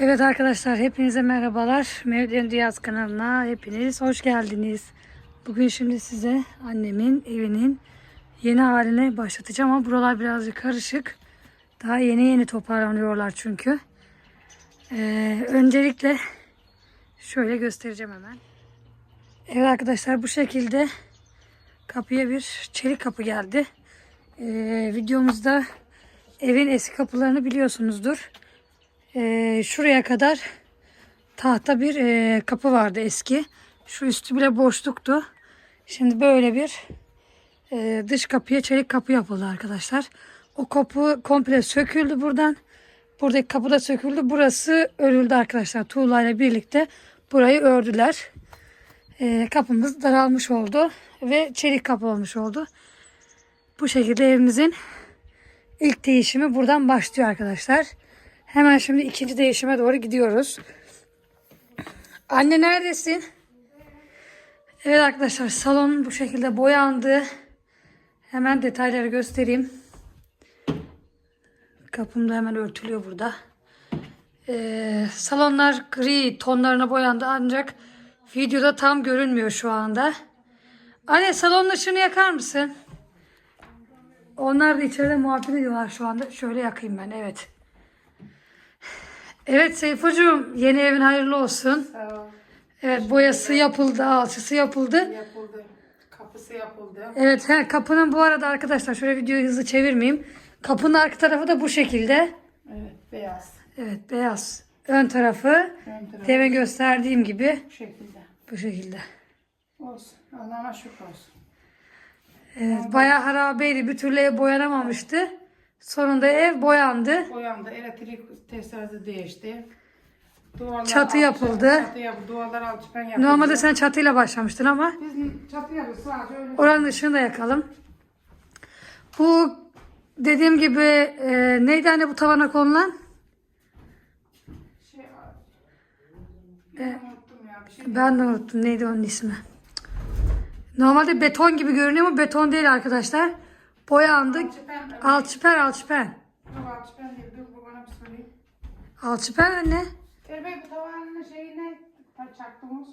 Evet arkadaşlar, hepinize merhabalar. Mevlüt Diyaz kanalına hepiniz hoş geldiniz. Bugün şimdi size annemin evinin yeni haline başlatacağım ama buralar birazcık karışık. Daha yeni toparlanıyorlar çünkü. Öncelikle şöyle göstereceğim hemen. Evet arkadaşlar, bu şekilde kapıya bir çelik kapı geldi. Videomuzda evin eski kapılarını biliyorsunuzdur. Şuraya kadar tahta bir kapı vardı eski. Şu üstü bile boşluktu. Şimdi böyle bir dış kapıya çelik kapı yapıldı arkadaşlar. O kapı komple söküldü buradan. Buradaki kapı da söküldü. Burası örüldü arkadaşlar. Tuğlayla birlikte burayı ördüler. Kapımız daralmış oldu ve çelik kapı olmuş oldu. Bu şekilde evimizin ilk değişimi buradan başlıyor arkadaşlar. Hemen şimdi ikinci değişime doğru gidiyoruz. Anne neredesin? Evet arkadaşlar, salon bu şekilde boyandı. Hemen detayları göstereyim. Kapım da hemen örtülüyor burada. Salonlar gri tonlarına boyandı ancak videoda tam görünmüyor şu anda. Anne, salonun ışığını yakar mısın? Onlar da içeride muhabbet ediyorlar şu anda. Şöyle yakayım ben, evet. Evet Seyfocuğum, yeni evin hayırlı olsun. Sağ ol. Evet, boyası yapıldı, alçısı yapıldı. Yapıldı. Kapısı yapıldı. Evet, kapının bu arada arkadaşlar, şöyle videoyu hızlı çevirmeyeyim. Kapının arka tarafı da bu şekilde. Evet, beyaz. Evet, beyaz. Ön tarafı demin gösterdiğim gibi Bu şekilde. bu şekilde. Olsun. Allah'ıma şükür olsun. Evet, bayağı harabeydi. Bir türlü ev boyanamamıştı. Sonunda ev boyandı. Boyandı. Elektrik tesisatı değişti. Duvarlar Çatı yapıldı. Çatı yapıldı. Duvarlar alçıpan yapıldı. Normalde sen çatıyla başlamıştın ama Biz çatı yapıyoruz sadece öyle. oranın ışığını da yakalım. Bu dediğim gibi neydi anne bu tavana konulan? Unuttum ya. Bir şey. Ben de unuttum. Neydi onun ismi? Normalde beton gibi görünüyor ama beton değil arkadaşlar. Boyandı. Alçıpen. Yok alçıpan değil. Dur bu bana bir sorayım. Alçıpen anne. Erbey bu tavanın şeyi ne? Çaktığımız.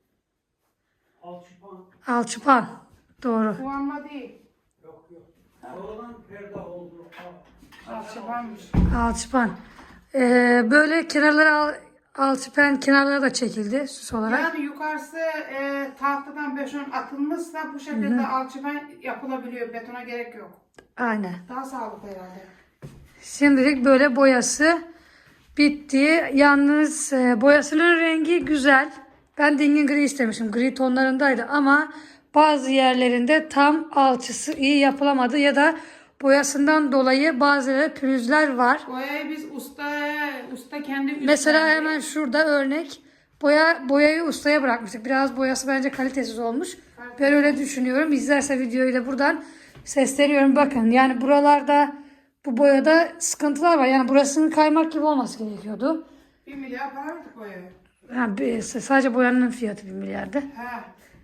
Alçıpan. Doğru. Duvarma değil. Yok. Sonradan perde oldu. Alçıpanmış. Alçıpan. Böyle kenarlara alçıpen kenarlara da çekildi süs olarak. Yani yukarısı tahtadan beton atılmışsa bu şekilde alçıpan yapılabiliyor. Betona gerek yok. Aynen. Daha sağlıklı herhalde. Şimdilik böyle boyası bitti. Yalnız boyasının rengi güzel. Ben dingin gri istemişim. Gri tonlarındaydı ama bazı yerlerinde tam alçısı iyi yapılamadı ya da boyasından dolayı bazı pürüzler var. Boyayı biz usta kendi Mesela hemen şurada örnek. Boyayı ustaya bırakmıştık. Biraz boyası bence kalitesiz olmuş. Ben öyle düşünüyorum. İzlerse videoyu da buradan sesleniyorum. Bakın yani buralarda bu boyada sıkıntılar var. Yani burasının kaymak gibi olması gerekiyordu. 1 milyar para verdik boyaya. Yani sadece boyanın fiyatı 1 milyardı. He.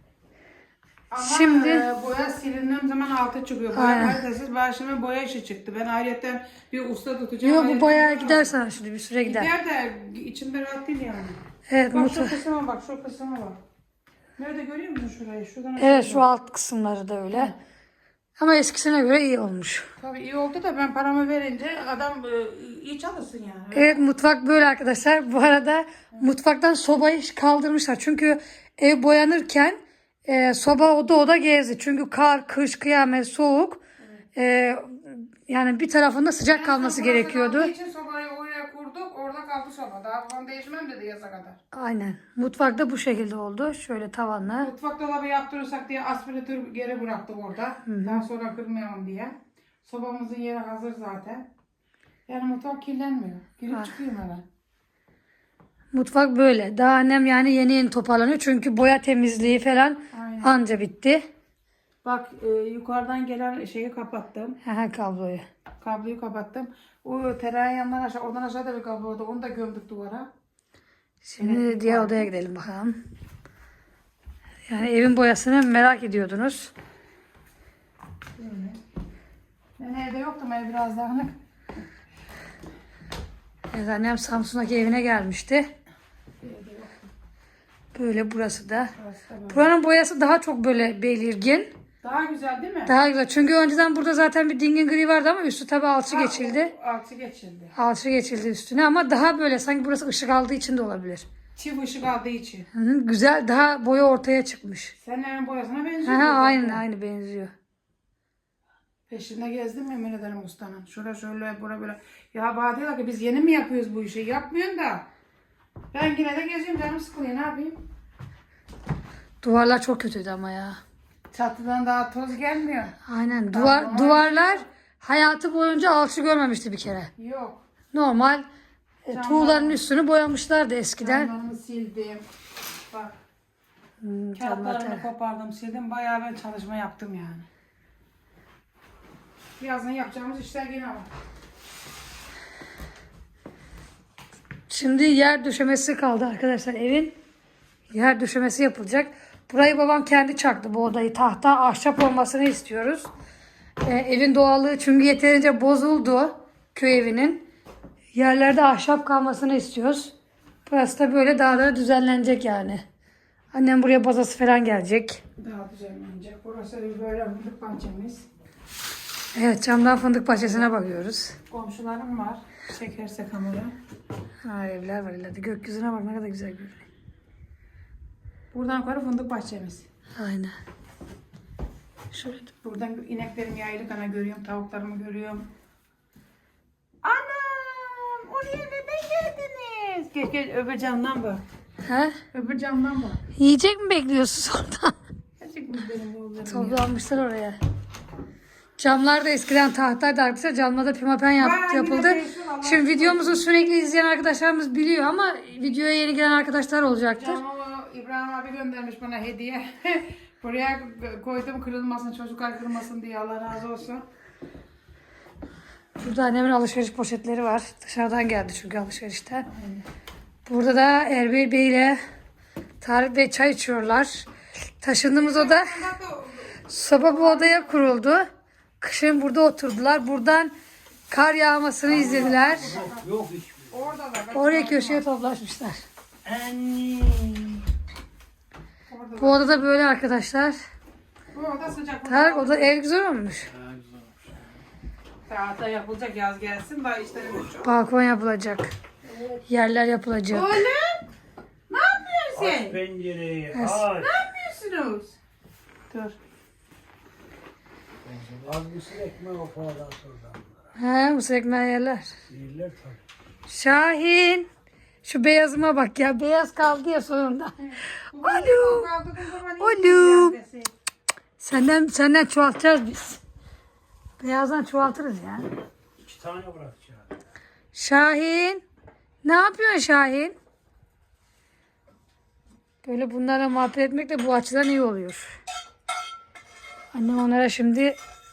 Ama Şimdi boya silindiğim zaman altı çıkıyor. Boya kalitesiz. Başıma boya işi çıktı. Ben ayrıca bir usta tutacağım. yok, bu boya gider sana şimdi bir süre gider. Gider de içimde rahat değil yani. Evet, Bak şu kısma bak, şu kısma bak. Nerede görüyor musun şurayı? Şuradan aşağı evet, bak. şu alt kısımları da öyle. Ama eskisine göre iyi olmuş. Tabii iyi oldu da ben paramı verince adam iyi çalışsın yani. Evet, mutfak böyle arkadaşlar. Bu arada mutfaktan sobayı kaldırmışlar. Çünkü ev boyanırken soba oda gezdi. Çünkü kar, kış, kıyamet, soğuk. Yani bir tarafında sıcak kalması gerekiyordu. Onun için sobayı oraya kurduk. Orada kaldı soba. Daha falan değişmem dedi yaza kadar. Aynen. Mutfakta bu şekilde oldu. Şöyle tavanla. Mutfak dolabı yaptırırsak diye aspiratör geri bıraktık orada. Daha sonra kırmayalım diye. Sobamızın yeri hazır zaten. Yani mutfak kirlenmiyor. Girip çıkıyorum hemen. Mutfak böyle. Daha annem yani yeni toparlanıyor. Çünkü boya temizliği falan Aynen. anca bitti. Bak yukarıdan gelen şeyi kapattım. Kabloyu. Kabloyu kapattım. O tereyağı yandan aşağı, oradan aşağıda bir kablo vardı. Onu da gömdük duvara. Şimdi diğer odaya gidelim bakalım. Yani evin boyasını merak ediyordunuz. Ben evde yoktum, ev biraz dağınık. Evet, annem Samsun'daki evine gelmişti. Böyle burası da. Burası da böyle. Buranın boyası daha çok böyle belirgin. Daha güzel değil mi? Daha güzel. Çünkü önceden burada zaten bir dingin gri vardı ama üstü tabii alçı Ha, geçildi. o altı geçildi. Alçı geçildi üstüne ama daha böyle sanki burası ışık aldığı için de olabilir. Çift ışık aldığı için. Hı, güzel. Daha boya ortaya çıkmış. Senin evin boyasına Ha, benziyor. aynı benziyor. Peşinde gezdim yemin ederim ustanın. Şöyle şöyle bura böyle. Ya bana diyorlar ki biz yeni mi yapıyoruz bu işi? Yapmıyorsun da. Ben yine de geziyorum canım sıkılıyor ne yapayım? Duvarlar çok kötüydü ama ya. Çatıdan daha toz gelmiyor. Aynen. Tamam. Duvarlar hayatı boyunca alçı görmemişti bir kere. Yok. Normal Camlar- tuğların üstünü boyamışlardı eskiden. Camlarını sildim. Bak Camlar kağıtlarını kopardım sildim. Bayağı ben çalışma yaptım yani. Birazdan yapacağımız işler yine var. Şimdi yer döşemesi kaldı arkadaşlar evin. Yer döşemesi yapılacak. Burayı babam kendi çaktı bu odayı. Tahta, ahşap olmasını istiyoruz. Evin doğallığı çünkü yeterince bozuldu köy evinin. Yerlerde ahşap kalmasını istiyoruz. Burası da böyle daha da düzenlenecek yani. Annem buraya bazası falan gelecek. Daha düzenlenecek. Burası böyle fındık bahçemiz. Evet, camdan fındık bahçesine bakıyoruz. Komşularım var. Çekerse kamera. Ha, evler var ileride. Gökyüzüne bak ne kadar güzel görünüyor. Buradan yukarı fındık bahçemiz. Aynen. Şöyle. Buradan ineklerim yaylık ana görüyorum. Tavuklarımı görüyorum. Anam! Oraya neden geldiniz? Gel gel öbür camdan bak. He? Öbür camdan bak. Yiyecek mi bekliyorsunuz orada? Gerçekten benim oğullarım ya. Toplanmışlar oraya. Camlar da eskiden tahtaydı arkadaşlar. Camlarda pimapen Bayağı yapıldı. yine değişiyor, Allah Şimdi aşkına. videomuzu sürekli izleyen arkadaşlarımız biliyor ama videoya yeni gelen arkadaşlar olacaktır. Camı İbrahim abi göndermiş bana hediye. Buraya koydum kırılmasın, çocuklar kırılmasın diye Allah razı olsun. Burada annemin alışveriş poşetleri var. Dışarıdan geldi çünkü alışverişten. Burada da Erbil Bey ile Tarık Bey çay içiyorlar. Taşındığımız oda soba bu odaya kuruldu. Kışın burada oturdular. Buradan kar yağmasını izlediler. Yok hiçbir. Orada da. Oraya köşeye toplaşmışlar. Anne. Orada Bu odada böyle arkadaşlar. Bu oda sıcak. Tarık oda ev güzel olmuş. Tahta yapılacak yaz gelsin. Daha işlerimiz çok. Balkon yapılacak. Yerler yapılacak. Oğlum! Ne yapıyorsun Aç sen? pencereyi Evet. aç. Ne yapıyorsunuz? Dur. Az mısır ekmeği o falan sonra. He, mısır ekmeği yerler. Yerler tabii. Şahin. Şu beyazıma bak ya. Beyaz kaldı ya sonunda. Alo. Oğlum. Senden çoğaltacağız biz. Beyazdan çoğaltırız ya. 2 tane bırakacağım. Şahin. Ne yapıyorsun Şahin? Böyle bunlarla muhabbet etmek de bu açıdan iyi oluyor. Annem onlara şimdi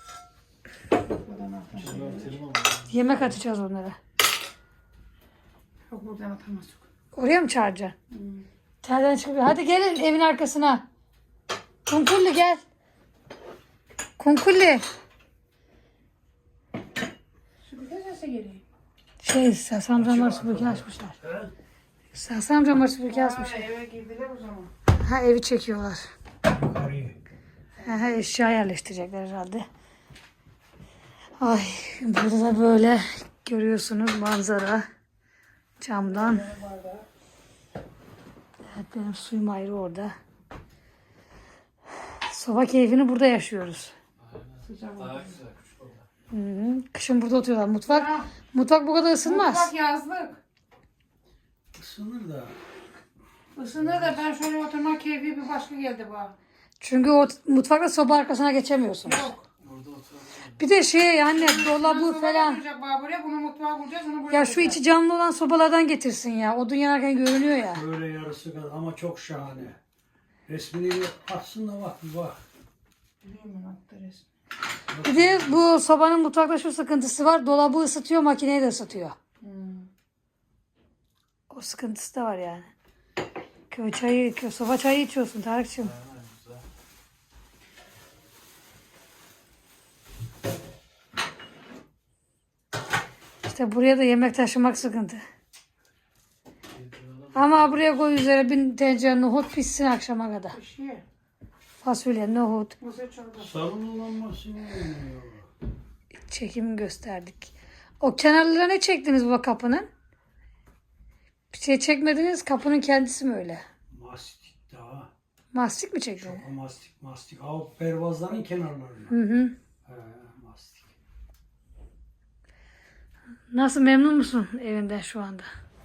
yemek atacağız onlara. Yok buradan atamaz. Oraya mı çağıracaksın? Terden çıkıyor. Hadi gelin evin arkasına. Kunkulli gel. Kunkulli. Şu bir de sese geleyim. Sasam camları süpürge açmışlar. Sasam camları süpürge açmışlar. Eve girdiler o zaman. Ha, evi çekiyorlar. Yukarıyı. Ha, eşya yerleştirecekler herhalde. Ay, burada da böyle görüyorsunuz manzara camdan. Evet, benim suyum ayrı orada. Soba keyfini burada yaşıyoruz. Sıcak oldu. Hı -hı. Kışın burada oturuyorlar. Mutfak bu kadar ısınmaz. Mutfak yazlık. Isınır da. Isınır da ben şöyle oturma keyfi bir başka geldi bana. Çünkü o mutfakta soba arkasına geçemiyorsun. Yok. Bir de yani dolabı Soba falan. kuracak bana buraya, bunu mutfağa kuracağız, onu buraya Ya şu kuracağız. içi camlı olan sobalardan getirsin ya. Odun yanarken görünüyor ya. Böyle yarısı kadar ama çok şahane. Resmini atsın da bak bir bak. Biliyorum ben attı resmi. Bir de bu sobanın mutfakta şu sıkıntısı var. Dolabı ısıtıyor, makineyi de ısıtıyor. O sıkıntısı da var yani. Soba çayı içiyorsun Tarık'cığım. İşte buraya da yemek taşımak sıkıntı. Ama buraya koy üzere bir tencere nohut pişsin akşama kadar. Bir şey. Fasulye, nohut. Mısır çorbası. Sarılınlanması mı oluyor? Çekimi gösterdik. O kenarlara ne çektiniz bu kapının? Bir şey çekmediniz. Kapının kendisi mi öyle? Mastik daha. Mastik mi çektiniz? Çok mastik. O pervazların kenarlarına. Hı hı. He, mastik. Nasıl, memnun musun evinden şu anda?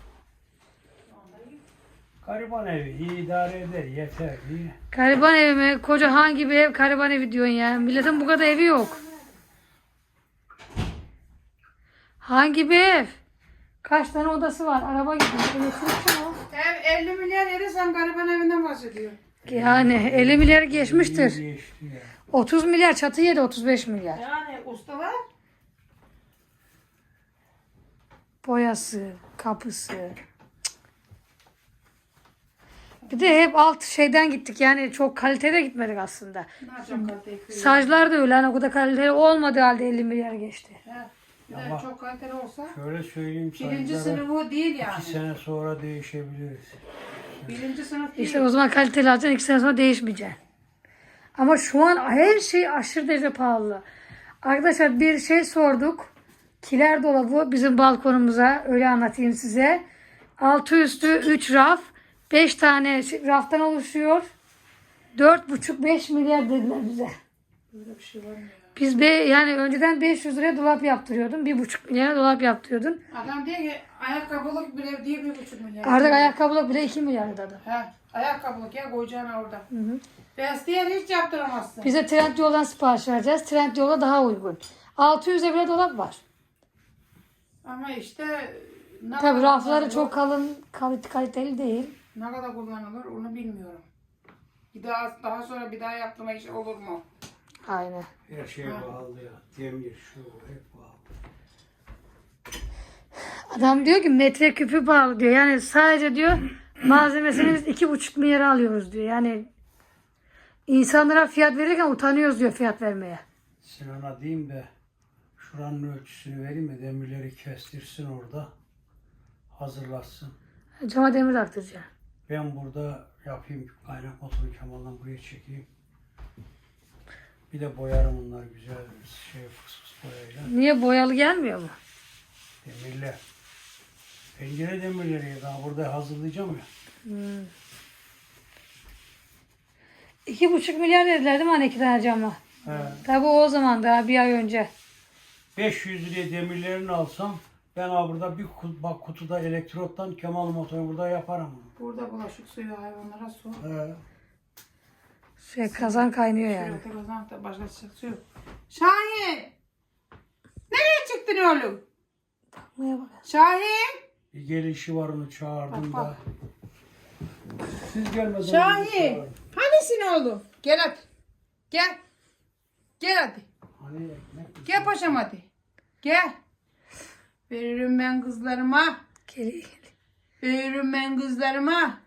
Gariban evi iyi idare eder yeter iyi. Gariban evi mi? Koca hangi bir ev gariban evi diyorsun ya? Milletin bu kadar evi yok. Hangi bir ev? Kaç tane odası var? Araba gibi. Elektrikçi mi o? Ev 50 milyar yedi, sen gariban evinden bahsediyor. Yani 50 milyar geçmiştir. İyi geçti ya. 30 milyar çatı yedi, 35 milyar. Yani ustalar. Boyası, kapısı. Cık. Bir de hep alt şeyden gittik. Yani çok kalitede gitmedik aslında. Ne yapacağım kaliteyi? Sajlar da öyle. Hani o kadar kaliteli olmadığı halde 50 milyar geçti. Bir de Ama- çok kaliteli olsa. Şöyle söyleyeyim Birinci sayılara, sınıfı değil 2 yani. sene sonra değişebiliriz. Birinci sınıf değil. İşte o zaman kaliteli alacaksın, 2 sene sonra değişmeyeceksin. Ama şu an her şey aşırı derece pahalı. Arkadaşlar bir şey sorduk. Kiler dolabı bizim balkonumuza, öyle anlatayım size. Altı üstü 3 raf. 5 tane raftan oluşuyor. 4,5-5 milyar dediler bize. Böyle bir şey var mı ya? Biz yani önceden 500 liraya dolap yaptırıyordun. 1,5 milyara dolap yaptırıyordun. Adam diyor ki ayakkabılık bile diye 1,5 milyar. Artık ayakkabılık bile 2 milyar dedi. He, ayakkabılık ya koyacaksın orada. Vestiyer hiç yaptıramazsın. Bize Trendyol'dan sipariş vereceğiz. Trendyol'a daha uygun. 600'e bile dolap var. Ama işte ne Tabii kadar rafları kullanılır, çok kalın, kaliteli değil. ne kadar kullanılır onu bilmiyorum. Bir daha sonra bir daha yaptırma işi olur mu? Aynen. Her şey pahalı ya. Demir şu hep pahalı. Adam diyor ki metreküpü pahalı diyor. Yani sadece diyor malzemesini biz 2,5 milyara alıyoruz diyor. Yani insanlara fiyat verirken utanıyoruz diyor fiyat vermeye. Sinan'a diyeyim de şuranın ölçüsünü vereyim de demirleri kestirsin orada. Hazırlatsın. Cama demir taktıracaksın. Ben burada yapayım kaynak motoru Kemal'dan buraya çekeyim. Bir de boyarım bunlar güzel fıs fıs boyayla. Niye boyalı gelmiyor mu? Demirler. Pencere demirleri daha burada hazırlayacağım ya. 2,5 milyar dediler değil mi hani 2 tane cama? He. Tabii o zaman daha bir ay önce. 500 liraya demirlerini alsam ben burada bir bak kutuda elektrottan Kemal motoru burada yaparım. Burada bulaşık suyu hayvanlara su. Kazan kaynıyor yani. Şurada kazanakta başka su yok. Şahin! Nereye çıktın oğlum? Bakmaya bak. Şahin! Bir gelişi var onu çağırdım Bak, da. Siz gelmeden önce Şahin! çağırın. Hanisin oğlum? Gel hadi. Gel. Gel hadi. Hani ekmek Gel paşam hadi. Gel. Veririm ben kızlarıma. Geliyor. Veririm ben kızlarıma.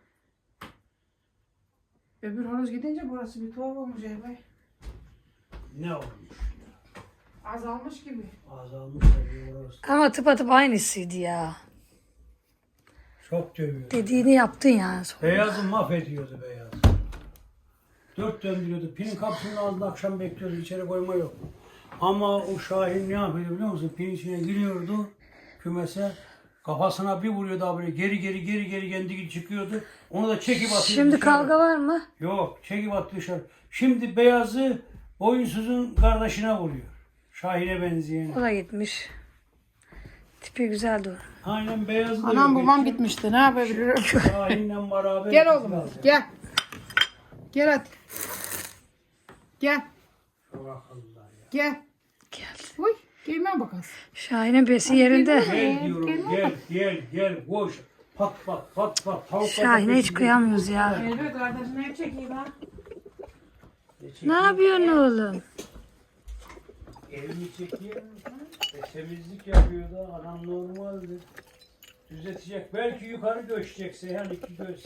Öbür horoz gidince burası bir tuhaf olmuş Erbay. ne olmuş? Azalmış gibi. Azalmış tabii orası. Ama tıpatıp aynısıydı ya. Çok dövüyor. Dediğini yaptın yani. Sonra. Beyazı mahvediyordu beyaz. 4 döndürüyordu. Pinin kapısının ağzında akşam bekliyordu. İçeri koyma yok. Ama o Şahin ne yapıyordu biliyor musun? Pinin içine giriyordu kümese. Kafasına bir vuruyordu abi. Geri kendi gibi çıkıyordu. Onu da çekip atıyordu Şimdi dışarı. kavga var mı? Yok çekip attı dışarı. Şimdi beyazı boyunsuzun kardeşine vuruyor. Şahin'e benzeyen. O da gitmiş. Tipi güzeldi o. Aynen beyazı da Anam yok. babam gitmişti. Ne yapabilirim? Şahin'le beraber. Gel oğlum. gittiler. Gel. Gel hadi. Gel. Çok akıllılar ya. Gel. Geldi. Uy. Gelme bakalım. Şahin'in besi yerinde. Gel diyorum gel koş. Pat. Tavuk Şahin'e hiç kıyamıyoruz ya. Elbet kardeşine çekeyim ha. Ne yapıyorsun oğlum? Elini çekiyor. Temizlik yapıyor da anam normaldi. Düzeltecek. Belki yukarı göçecek Seyhan 2 göz.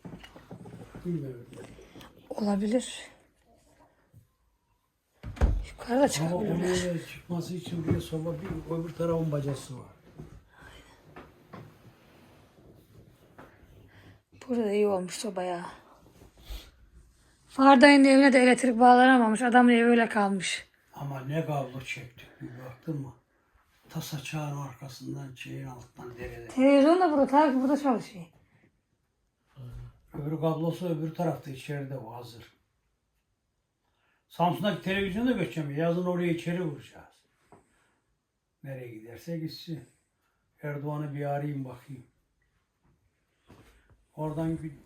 Bilmiyorum. Olabilir. Yukarıda Ama çıkabilirler. oraya çıkması için buraya soba bir öbür tarafın bacası var. Burada da iyi olmuş soba ya. Fardayın evine de elektrik bağlanamamış. Adamın evi öyle kalmış. Ama ne kablo çektik bir baktın mı? Tasa çağın arkasından şeyin altından derede. Televizyon da burada. Tabii burada çalışıyor. Öbür kablosu öbür tarafta içeride o hazır. Samsun'daki televizyona göçeceğim. Yazın oraya içeri vuracağız. Nereye giderse gitsin. Erdoğan'ı bir arayayım bakayım. Oradan bir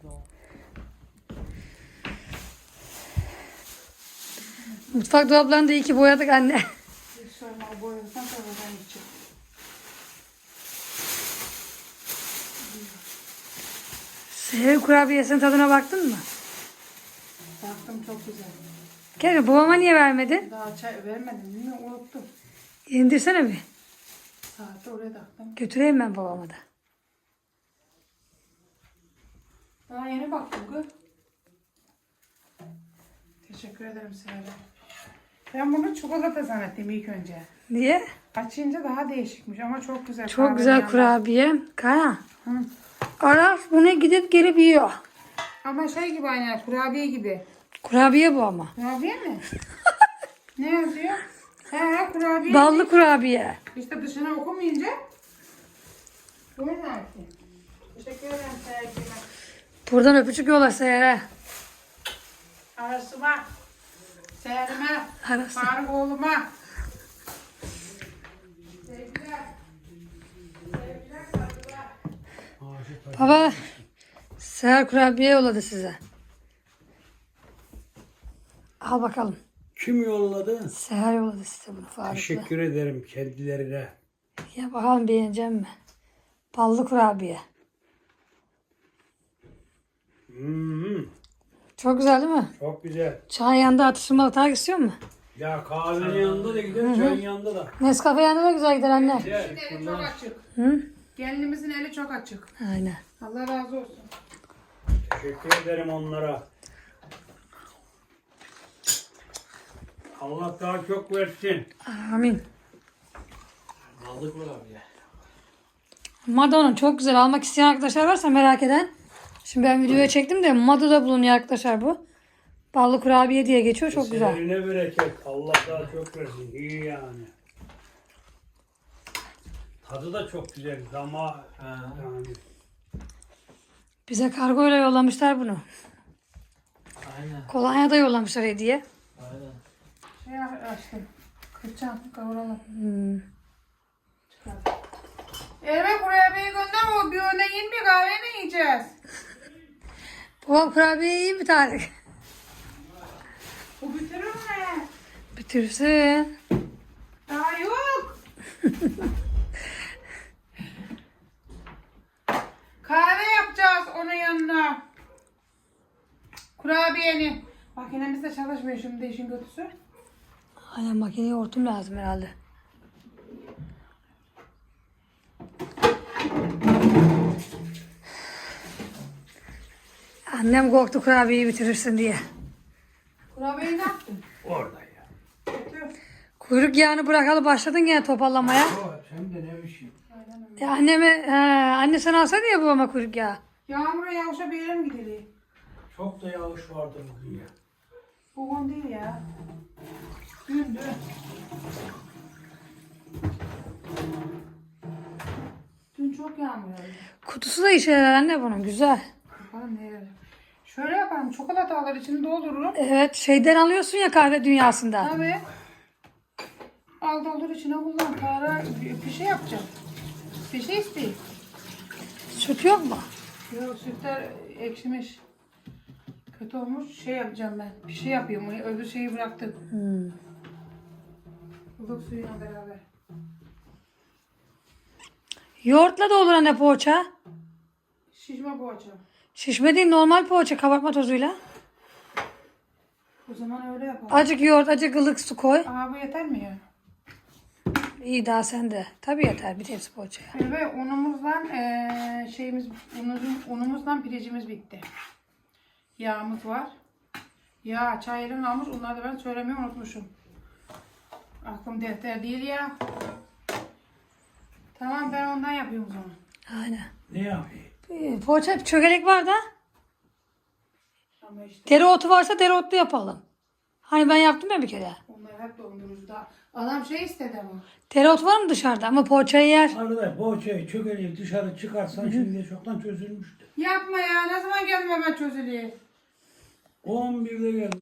Mutfak dolaplarını da iyi ki boyadık anne. Hiç sorma, o boyadıktan sonra ben gideceğim. Seher kurabiyesinin tadına baktın mı? Baktım, çok güzel. Keşke babama niye vermedin? Daha çay vermedim, bilmiyorum, unuttum. İndirsene bir. Saati oraya taktım. Götüreyim ben babama da. Daha yeni baktım kız. Teşekkür ederim Seher'e. Ben bunu çikolata zannettim ilk önce. Niye? Açınca daha değişikmiş ama çok güzel. Çok güzel Kahverengi. kurabiye. Kaya. Hı. Araf bunu gidip gelip yiyor. Ama şey gibi, aynen kurabiye gibi. Kurabiye bu ama. Kurabiye mi? Ne yazıyor? He, kurabiye. Ballı kurabiye. İşte dışına okumayınca. Doğru zaten. Teşekkür ederim Seher'e. Buradan öpücük yolla Seher'e. Arasıma. Seher'ime. Arası. Faruk oğluma. Sevgiler. Sevgiler, saygılar. Baba Seher kurabiye yolladı size. Al bakalım. kim yolladı? Seher yolladı size bunu Faruk'la. Teşekkür ederim kendilerine. Ya bakalım beğenecek mi? Ballı kurabiye. Çok güzel değil mi? Çok güzel. Çay yanında atıştırmalık daha istiyor mu? Ya kahvenin yanında da gider, çayın yanında da. Nescafe yanında da güzel gider anne. Güzel. Eli çok açık. Hı? Gelinimizin eli çok açık. Aynen. Allah razı olsun. Teşekkür ederim onlara. Allah daha çok versin. Amin. Aldık mı abi ya? Mado'nun çok güzel. Almak isteyen arkadaşlar varsa merak eden. Şimdi ben videoya çektim de Mado'da bulunuyor arkadaşlar bu. Ballı kurabiye diye geçiyor. Çok güzel. Seherine bereket. Allah daha çok versin. İyi yani. Tadı da çok güzel ama yani. Bize kargoyla yollamışlar bunu. Aynen. Kolonya da yollamışlar hediye. Aynen. Şey açtım. Kırçan kavuralım. Çıkar. Evet, buraya bir gönder, o bir öne yiyin, bir kahve ne yiyeceğiz? Babam kurabiye iyi bir Tarık. Bu bitirir mi? Bitirsin. Daha yok. Kahve yapacağız onun yanına. Kurabiyenin. Makinemiz de çalışmıyor şimdi, işin kötüsü. Aynen makineye hortum lazım herhalde. Annem korktu kurabiyeyi bitirirsin diye. Kurabiyeyi ne yaptın? Orada ya. Kötü. Kuyruk yağını bırakalı başladın gene topallamaya. O hem de ne biçim. Ya anne sen alsaydı ya babama kuyruk yağı. Yağmura yağışa bir yere mi gidelim? Çok da yağış vardı bugün ya. Bugün değil ya. Dün. Dün çok yağmur yağdı. Kutusu da işe yarar anne bunun güzel. Bakalım ne yarar. Şöyle yapalım. Çikolatalar içini doldururum. Evet şeyden alıyorsun ya kahve dünyasında. Tabii. Al doldur içine kullan. Para bir şey yapacağım. Bir şey isteyeyim. Süt yok mu? Yok, sütler ekşimiş. Kötü olmuş. Şey yapacağım ben. Bir şey yapıyorum. Öbür şeyi bıraktım. Ilık suyuyla beraber. Yoğurtla da olur anne poğaça. Şişme poğaça. Şişme değil normal poğaça kabartma tozuyla. O zaman öyle yapalım. Acık yoğurt acık ılık su koy. Aa, bu yeter mi ya? İyi daha sende. Tabii yeter bir tepsi poğaçaya. Ve unumuzdan unumuzdan pirincimiz bitti. Yağımız var. Yağ, çayırın almış. Onları da ben söylemeyi unutmuşum. Aklım defter değil ya. Tamam ben ondan yapıyorum o zaman. Aynen. Ne yapayım? Poğaça çökelek var da. Ama işte Dereotu varsa dereotlu yapalım. Hani ben yaptım ya bir kere. onlar hep dondurucuda. Adam şey istedi ama. Dereotu var mı dışarıda ama poğaçayı yer. Arkadaş poğaçayı çökeliği dışarı çıkarsan şimdi çoktan çözülmüştü. Yapma ya ne zaman geldim hemen çözülüyor. 11'de geldim.